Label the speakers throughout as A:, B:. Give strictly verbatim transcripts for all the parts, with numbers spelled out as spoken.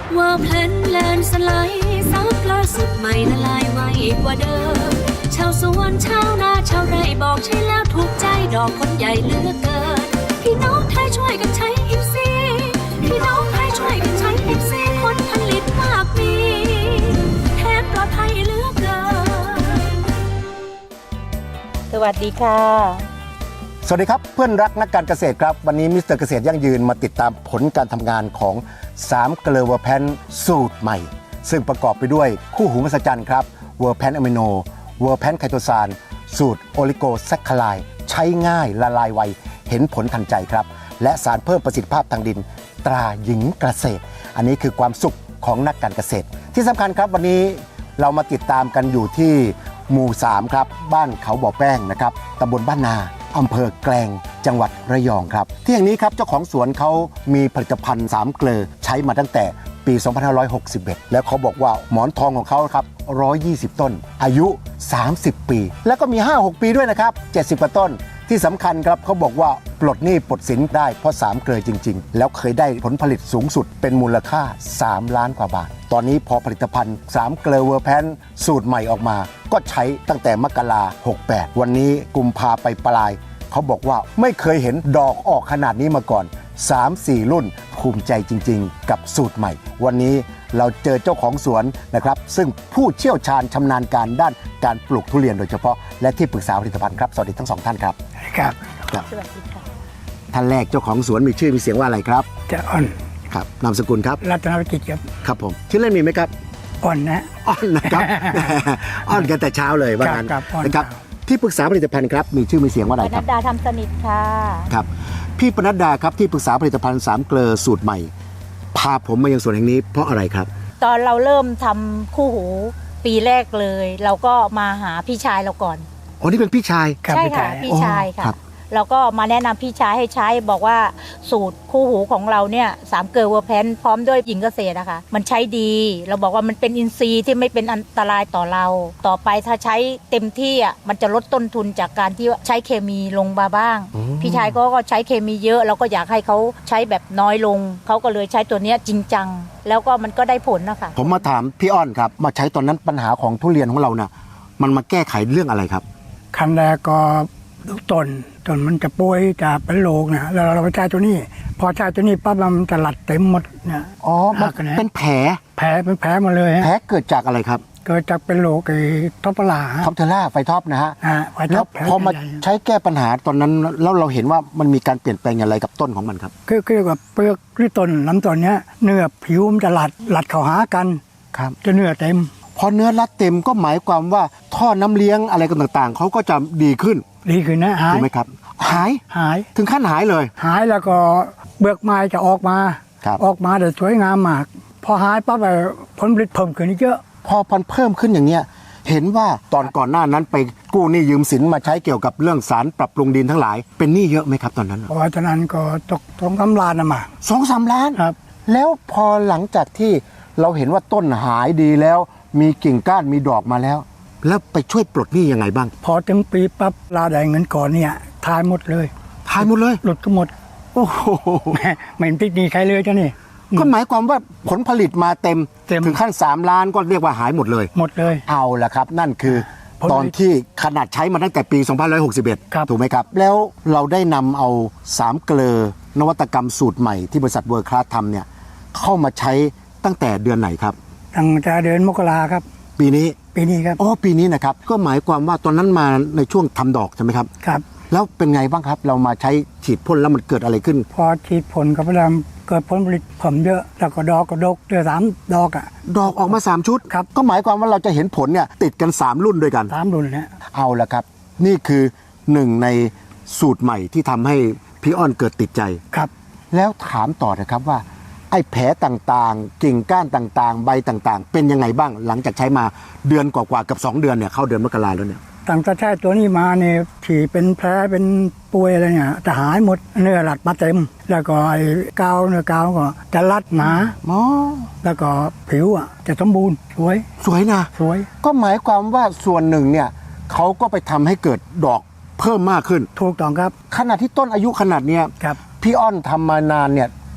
A: ว่าเพลนแลนสไลด์ซับล่าสุดใหม่ละลายไวกว่าเดิมชาวสวนชาวนาชาวไร่บอกใช่แล้วถูกใจดอกคนใหญ่เหลือเกินพี่น้องไทยช่วยกันใช้อิฟซีพี่น้องไทยช่วยกันใช้อิฟซีผลผลิตมากมีแทนปลอดภัยเหลือเกิน
B: สวัสดีค่ะ
C: สวัสดีครับเพื่อนรักนักการเกษตรครับวันนี้มิสเตอร์เกษตรยั่งยืนมาติดตามผลการทำงานของสามเกลือเวอร์แพนสูตรใหม่ซึ่งประกอบไปด้วยคู่หูมหัศจรรย์ครับเวอร์แพนอะมิโนเวอร์แพนไคโตซานสูตรโอลิโกแซคคาไลด์ใช้ง่ายละลายไวเห็นผลทันใจครับและสารเพิ่มประสิทธิภาพทางดินตราหญิงเกษตรอันนี้คือความสุขของนักการเกษตรที่สำคัญครับวันนี้เรามาติดตามกันอยู่ที่หมู่สามครับบ้านเขาบ่อแป้งนะครับตำบลบ้านนาอำเภอแกลงจังหวัดระยองครับที่แห่งนี้ครับเจ้าของสวนเขามีผลิตภัณฑ์สามเกลือใช้มาตั้งแต่ปีสองพันห้าร้อยหกสิบเอ็ดแล้วเขาบอกว่าหมอนทองของเขาครับหนึ่งร้อยยี่สิบต้นอายุสามสิบปีแล้วก็มี ห้าหก ปีด้วยนะครับเจ็ดสิบกว่าต้นที่สำคัญครับเขาบอกว่าปลดหนี้ปลดสินได้เพราะสามเกลือจริงๆแล้วเคยได้ผลผลิตสูงสุดเป็นมูลค่าสามล้านกว่าบาทตอนนี้พอผลิตภัณฑ์สามเกลือเวอร์แพนสูตรใหม่ออกมาก็ใช้ตั้งแต่มกราหกแปดวันนี้กุมภาไปปลายเขาบอกว่าไม่เคยเห็นดอกออกขนาดนี้มาก่อน สามสี่ รุ่นภูมิใจจริงๆกับสูตรใหม่วันนี้เราเจอเจ้าของสวนนะครับซึ่งผู้เชี่ยวชาญชำนาญการด้านการปลูกทุเรียนโดยเฉพาะและที่ปรึกษาผลิตภัณฑ์ครับสวัสดีทั้งสองท่านครับ
D: ครับ
C: ครับ
B: สวัสดีค่ะ
C: ท่านแรกเจ้าของสวนมีชื่อมีเสียงว่าอะไรครับ
D: จะอ่อน
C: ครับนามสกุลครับ
D: รัตนวิจิตรครับ
C: ครับผมชื่อเล่นมีไหมครับ
D: อ่อนนะ
C: อ่อนนะครับ อ่อนกันแต่เช้าเลยว่างั้น
D: ครับอ่อน
C: นะครับที่ปรึกษาผลิตภัณฑ์ครับมีชื่อมีเสียงว่าอะไร
B: ป
C: ครับ
B: นัดดาทำสนิทค่ะ
C: ครับพี่ปนัดดาครับที่ปรึกษาผลิตภัณฑ์สามเกลือสูตรใหม่พาผมมายังสวนแห่งนี้เพราะอะไรครับ
B: ตอนเราเริ่มทำคู่หูปีแรกเลย เราก็มาหาพี่ชายเราก่อน
C: อ๋อนี่เป็นพี่ชาย
B: ใช่ค่ะพี่ชายค่ะเราก็มาแนะนำพี่ชายให้ใช้บอกว่าสูตรคู่หูของเราเนี่ยสามเกลือเวอร์แพนพร้อมด้วยหญิงเกษตรนะคะมันใช้ดีเราบอกว่ามันเป็นอินทรีย์ที่ไม่เป็นอันตรายต่อเราต่อไปถ้าใช้เต็มที่อ่ะมันจะลดต้นทุนจากการที่ใช้เคมีลงมาบ้างพี่ชายก็ใช้เคมีเยอะเราก็อยากให้เขาใช้แบบน้อยลงเขาก็เลยใช้ตัวเนี้ยจริงจังแล้วก็มันก็ได้ผลนะคะ
C: ผมมาถามพี่อ้อนครับมาใช้ตอนนั้นปัญหาของทุเรียนของเราน่ะมันมาแก้ไขเรื่องอะไรครับ
D: ขั้นแรกก็ลูกต้นต้นมันจะป่วยจะเป็นโรคนะแล้วเราไปใช้ตัวนี้พอใช้ตัวนี้ปั๊บมันจะหลัดเต็มหมดเนี่ย
C: อ๋อมันเป็นแผล
D: แผลเป็นแผลมาเลย
C: แผลเกิดจากอะไรครับ
D: เกิดจากเป็นโรคไอ้ท็อปลา
C: ท็อปเทอร่าไฟท็อปนะฮะ
D: แล้ว
C: พอมาใช้แก้ปัญหาตอนนั้นแล้วเราเห็นว่ามันมีการเปลี่ยนแปลงอะไรกับต้นของมันครับ
D: คือคือกับเปลือกหรือต้นลำต้นเนี้ยเนื้อผิวมันจะหลัดหลัดเข้าหากัน
C: ครับ
D: จะเนื้อเต็ม
C: พอเนื้อรัดเต็มก็หมายความว่าท่อน้ำเลี้ยงอะไรกันต่างๆเขาก็จะดีขึ้น
D: ดีขึ้นนะหาย
C: ถูกไหมครับหาย
D: หาย
C: ถึงขั้นหายเลย
D: หายแล้วก็เบือกไม้จะออกมาออกมาแต่สวยงามมากพอหายปั๊บผลผลิตเพิ่มขึ้นเยอะ
C: พอพันเพิ่มขึ้นอย่างเนี้ยเห็นว่าตอนก่อนหน้านั้นไปกู้หนี้ยืมสินมาใช้เกี่ยวกับเรื่องสารปรับปรุงดินทั้งหลายเป็นหนี้เยอะไหมครับตอนนั้น
D: พอตอนนั้นก็ตกสองสามล้านนะมา
C: สองสามล้าน
D: ครับ
C: แล้วพอหลังจากที่เราเห็นว่าต้นหายดีแล้วมีกิ่งก้านมีดอกมาแล้วแล้วไปช่วยปลดหนี้ยังไงบ้าง
D: พอถึงปีปั๊บลาได้เงินก่อนเนี่ยทายหมดเลย
C: ทายหมดเลย
D: หลุดก็หมด
C: โอ้โห
D: ไม่ติดหนี้ใครเลยจ้ะนี่
C: ก็หมายความว่าผลผลิตมาเต็มถึงขั้นสามล้านก็เรียกว่าหายหมดเลย
D: หมดเลย
C: เอาละครับนั่นคือตอนที่ขนาดใช้มาตั้งแต่ปีสองพันห้าร้อยหกสิบเอ็ดถูกไหมครับแล้วเราได้นำเอาสามเกลือนวัตกรรมสูตรใหม่ที่บริษัทเวิร์คคลาสทำเนี่ยเข้ามาใช้ตั้งแต่เดือนไหนครับ
D: ตั้งแต่เดือนมกราครับ
C: ปีนี้
D: ปีนี้ครับ
C: อ๋อปีนี้นะครับก็หมายความว่าตอนนั้นมาในช่วงทำดอกใช่ไหมครับ
D: ครับ
C: แล้วเป็นไงบ้างครับเรามาใช้ฉีดพ่นแล้วมันเกิดอะไรขึ้น
D: พอฉีดพ่นกับพลังเกิดผลผลิตเพิ่มเยอะแล้วก็ดอกก็ดกเดือนสามดอกอ่ะ
C: ดอกออกมาสามชุด
D: ครับ
C: ก็หมายความว่าเราจะเห็นผลเนี่ยติดกันสามรุ่นด้วยกัน
D: สามรุ่นเนี่ย
C: เอาละครับนี่คือหนึ่งในสูตรใหม่ที่ทำให้พี่อ้อนเกิดติดใจ
D: ครับ
C: แล้วถามต่อนะครับว่าไอ้แผลต่างๆกิ่งก้านต่างๆใบต่างๆเป็นยังไงบ้างหลังจากใช้มาเดือนกว่าๆกับสองเดือนเนี่ยเข้าเดือนมกราแล้วเนี่ย
D: ตั้งแต่ใช้ตัวนี้มาเนี่ยที่เป็นแผลเป็นป่วยอะไรเนี่ยจะหายหมดเนื้อหลัดมาเต็มแล้วก็ไอ้กาวเนื้อกาวก็จะรัดหนา
C: อ๋อ
D: แล้วก็ผิวอ่ะจะสมบูรณ์สวย
C: สวยนะ
D: สวย
C: ก็หมายความว่าส่วนหนึ่งเนี่ยเขาก็ไปทำให้เกิดดอกเพิ่มมากขึ้น
D: ถูกต้องครับ
C: ขนาดที่ต้นอายุขนาดเนี้ย
D: ครับ
C: พี่อ้อนทำมานานเนี่ย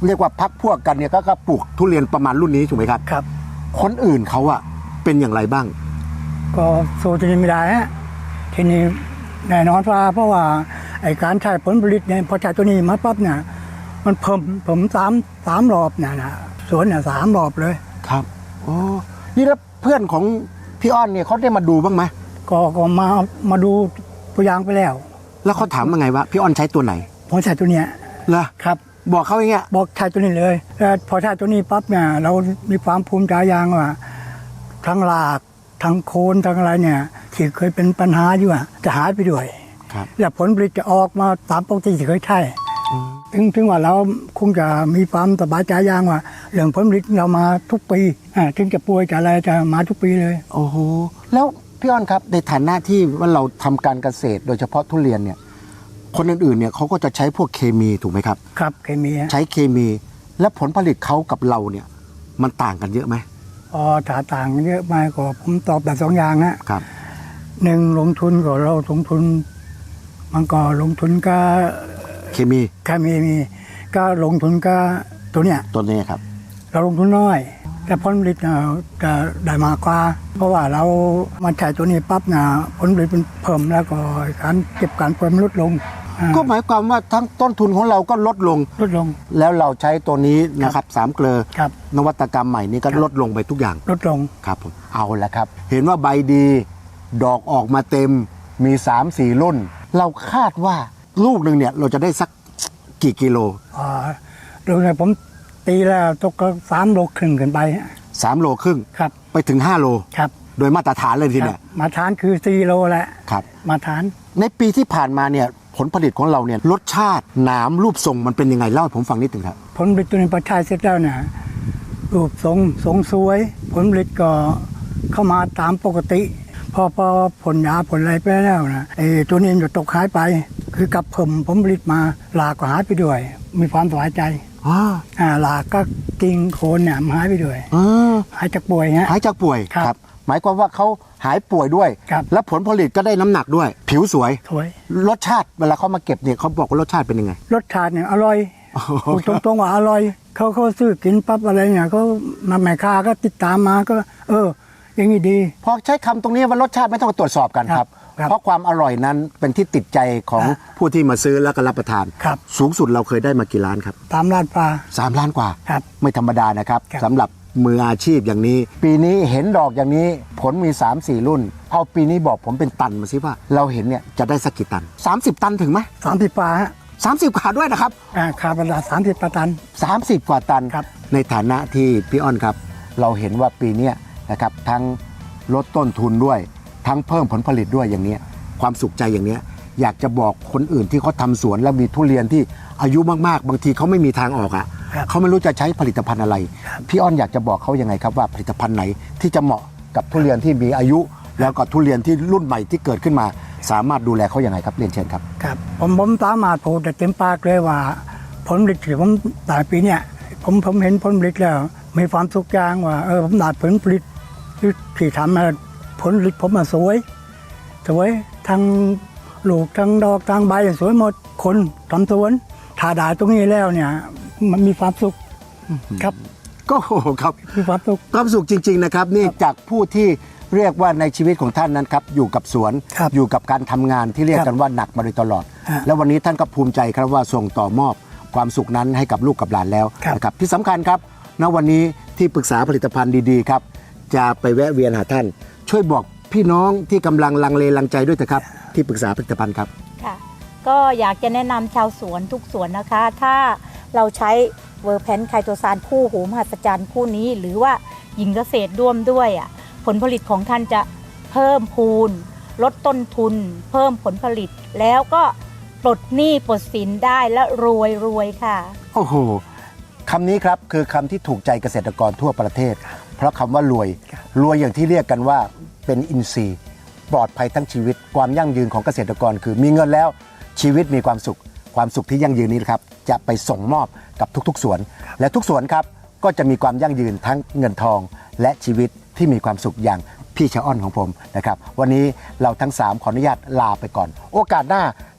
C: เรียกว่าพักพวกกันเนี่ยก็ก็ปลูกทุเรียนประมาณรุ่นนี้ถูกไหมครับ
D: ครับ
C: คนอื่นเขาอะเป็นอย่างไรบ้าง
D: ก็สู้ที่นี่ไม่ได้ฮะทีนี้แน่นอนว่าเพราะว่าไอ้การใช้ผลผลิตเนี่ยพอใช้ตัวนี้มาปั๊บเนี่ยมันเพิ่มผมสามสามรอบเนี่ยนะสวนเนี่ยสามรอบเลย
C: ครับโอ้นี่แล้วเพื่อนของพี่อ้อนเนี่ยเขาได้มาดูบ้างไหม
D: ก็ก็มามาดูตัวอย่างไปแล้ว
C: แล้วเขาถามว่าไงวะพี่อ้อนใช้ตัวไหน
D: ผมใช้ตัวเนี้ย
C: เหรอ
D: ครับ
C: บอกเขาอย่างเงี้ย
D: บอกใช้ตัวนี้เลยแล้วพอใช้ตัวนี้ปั๊บเนี่ยเรามีความภูมิใจอย่างว่าทั้งรากทั้งโคนทั้งอะไรเนี่ยที่เคยเป็นปัญหาอยู่อะจะหายไปด้วย
C: ครับ
D: และผลผลิตจะออกมาตามปกติที่เคยใช่ถึงถึงว่าเราคงจะมีความสบายใจอย่างว่าเรื่องผลผลิตเรามาทุกปีอ่าถึงจะป่วยจะอะไรจะมาทุกปีเลย
C: โอ้โหแล้วพี่อ้อนครับในฐานะที่ว่าเราทำการเกษตรโดยเฉพาะทุเรียนเนี่ยคนอื่นๆเนี่ยเขาก็จะใช้พวกเคมีถูกไหมครับ
D: ครับเคมีฮะ
C: ใช้เคมี และผลผลิตเขากับเราเนี่ยมันต่างกันเยอะไหม
D: อ๋อถ้าต่างเยอะมากก็ผมตอบแบบสองอย่างฮะ
C: ครับ
D: หนึ่งลงทุนก็เราลงทุน มันก็ลงทุนก็
C: เคมี
D: เคมีมีก็ลงทุนก็ตัวเนี้ย
C: ตัวนี้ครับ
D: เราลงทุนน้อย แต่ผลผลิตเนี่ยจะได้มากกว่า เพราะว่าเรามาใช้ตัวนี้ปั๊บเนี่ยผลผลิตมันเพิ่มแล้วก็การเก็บการผลลดลงอ่า
C: ก็หมายความว่าทั้งต้นทุนของเราก็ลดลง
D: ลดลง
C: แล้วเราใช้ตัวนี้นะครับสามเกลอ
D: ครับ
C: นวัตกรรมใหม่นี้ก็
D: ครับ
C: ลดลงไปทุกอย่าง
D: ลดลง
C: ครับผมเอาละครับ เห็นว่าใบดี ดอกออกมาเต็มมี สามสี่ รุ่น เราคาดว่าลูกหนึ่งเนี่ยเราจะได้สักกี่กิโล
D: อ่าดูเนี่ยผมตีแล้วตกก็สามโลครึ่งขึ้นไป
C: สามโลครึ่ง
D: ครับ
C: ไปถึงห้าโล
D: ครับ
C: โดยมาตรฐานเลยที
D: ค
C: เนี่
D: รั
C: ย
D: บมาทานคือสี่โลแหละ
C: ครับ
D: มาทาน
C: ในปีที่ผ่านมาเนี่ยผลผลิตของเราเนี่ยรสชาติหนามรูปทรงมันเป็นยังไงเล่าให้ผมฟังนิดหนึ่งครับ
D: ผลผลิตตัวนี้พอใช้เสร็จแล้วเนี่ยรูปทรงทรงสวย ผลผลิตก็เข้ามาตามปกติ พอพอผลยาผลอะไรไปแล้วนะไอ้ตัวนี้มันจะตกหายไป คือกับเพิ่มผลผลิตมาหลากก็หายไปด้วย มีความสบายใจ
C: อ๋อ
D: อ่าหลากก็กิ่งโคนเนี่ยมันหายไปด้วย
C: เออ
D: หายจากป่วยฮะ
C: หายจากป่วย
D: ครับ
C: หมายความว่าเขาหายป่วยด้วย
D: ครับ
C: และผลผลิตก็ได้น้ำหนักด้วย ผิวสวย
D: สวย
C: รสชาติเวลาเขามาเก็บเนี่ยเขาบอกว่ารสชาติเป็นยังไง
D: รสชาติเนี่ยอร่อย
C: โอ้โห
D: พูดตรงๆว่าอร่อยเขาเขาซื้อกินปั๊บอะไรเนี่ยเขามาแม่ค้าก็ติดตามมาก็ เออ อย่างนี้ดี
C: พอใช้คำตรงนี้ว่ารสชาติไม่ต้องตรวจสอบกันครับ
D: ครับ
C: เพราะความอร่อยนั้นเป็นที่ติดใจของ
D: ครับ
C: ผู้ที่มาซื้อแล้วก็รับประทาน
D: ครับ
C: สูงสุดเราเคยได้มากี่ล้านครับ
D: ตามร้านปลา
C: สามล้านกว่า
D: ครับ
C: ไม่ธรรมดานะครับ
D: ครับ
C: สำหรับมืออาชีพอย่างนี้ ปีนี้เห็นดอกอย่างนี้ผลมี สามสี่ รุ่น เอาปีนี้บอกผมเป็นตันมาสิว่า เราเห็นเนี่ยจะได้สักกี่ตัน สามสิบ ตันถึงไหม
D: สามสิบปลาฮะ
C: สามสิบกว่าด้วยนะครับ
D: อ่าคาร์บอนไดออกไซด์สามสิบตัน
C: สามสิบ กว่าตัน
D: ครับ
C: ในฐานะที่พี่อ้อนครับ เราเห็นว่าปีเนี้ยนะครับทั้งลดต้นทุนด้วย ทั้งเพิ่มผลผลิตด้วยอย่างเนี้ยความสุขใจอย่างเนี้ยอยากจะบอกคนอื่นที่เขาทำสวนแล้วมีทุเรียนที่อายุมากๆ บางทีเขาไม่มีทางออกอ่ะ
D: ครับ
C: เขาไม่รู้จะใช้ผลิตภัณฑ์อะไร พี่อ้อนอยากจะบอกเขายังไงครับว่าผลิตภัณฑ์ไหนที่จะเหมาะกับทุเรียนที่มีอายุ แล้วก็ทุเรียนที่รุ่นใหม่ที่เกิดขึ้นมา สามารถดูแลเขาอย่างไงครับเรียนเชิญครับ
D: ครับผมผมสามารถพูดได้เต็มปากเลยว่า ผลผลิตที่ผมได้ปีเนี่ยผมผมเห็นผลผลิตแล้ว มีความสุขอย่างว่าเออผมได้ผลผลิตที่ที่ทำมาผลผลิตผมมาสวย สวยทั้งลูกทั้งดอกทั้งใบสวยหมดคนทำสวนถ้าได้ตรงนี้แล้วเนี่ย มันมีความสุขครับ
C: ก็โอ้โหครับ
D: มีความสุข
C: ความสุขจริง ๆ นะครับ นี่จากผู้ที่เรียกว่าในชีวิตของท่านนั้นครับอยู่กับสวน
D: ครับ
C: อยู่กับการทำงานที่เรียก
D: ครับ
C: กันว่าหนักมาโดยตลอด
D: ฮะ
C: แล้ววันนี้ท่านก็ภูมิใจครับว่าส่งต่อมอบความสุขนั้นให้กับลูกกับหลานแล้ว
D: ครับ
C: นะครับที่สำคัญครับณวันนี้ที่ปรึกษาผลิตภัณฑ์ดีๆครับจะไปแวะเวียนหาท่าน ช่วยบอกพี่น้องที่กำลังลังเลลังใจด้วยเถอะครับที่ปรึกษาผลิตภัณฑ์ครับ
B: ค่ะก็อยากจะแนะนำชาวสวนทุกสวนนะคะ ถ้าเราใช้เวอร์แพนไคโตซานคู่หูมหัศจรรย์คู่นี้ หรือว่าหญิงเกษตรร่วมด้วยอ่ะผลผลิตของท่านจะเพิ่มพูน ลดต้นทุน เพิ่มผลผลิต แล้วก็ปลดหนี้ปลดสินได้และรวยรวยค่ะ
C: โอ้โหคำนี้ครับคือคำที่ถูกใจเกษตรกรทั่วประเทศ เพราะคำว่ารวย รวยอย่างที่เรียกกันว่าเป็นอินทรีย์ ปลอดภัยทั้งชีวิต ความยั่งยืนของเกษตรกรคือมีเงินแล้วชีวิตมีความสุข ความสุขที่ยั่งยืนนี้นะครับจะไปส่งมอบกับทุกๆสวน และทุกสวนครับก็จะมีความยั่งยืนทั้งเงินทอง และชีวิตที่มีความสุขอย่างพี่ชะอ้อนของผมนะครับวันนี้เราทั้งสามขออนุญาตลาไปก่อน โอกาสหน้า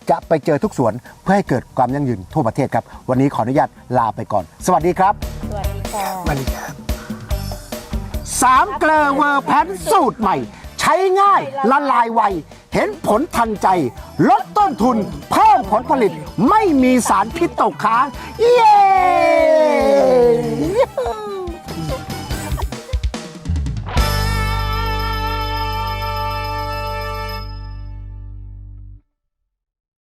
C: จะไปเจอทุกสวนเพื่อให้เกิดความยั่งยืนทั่วประเทศครับวันนี้ขออนุญาตลาไปก่อน สวัสดีครับ
B: สวัสดีค่ะ
C: สวัสดีครับสามเกลอเวอร์แพนสูตรใหม่ ใช้ง่ายละลายไว เห็นผลทันใจ ลดต้นทุน เพิ่มผลผลิต ไม่มีสารพิษตกค้าง เย้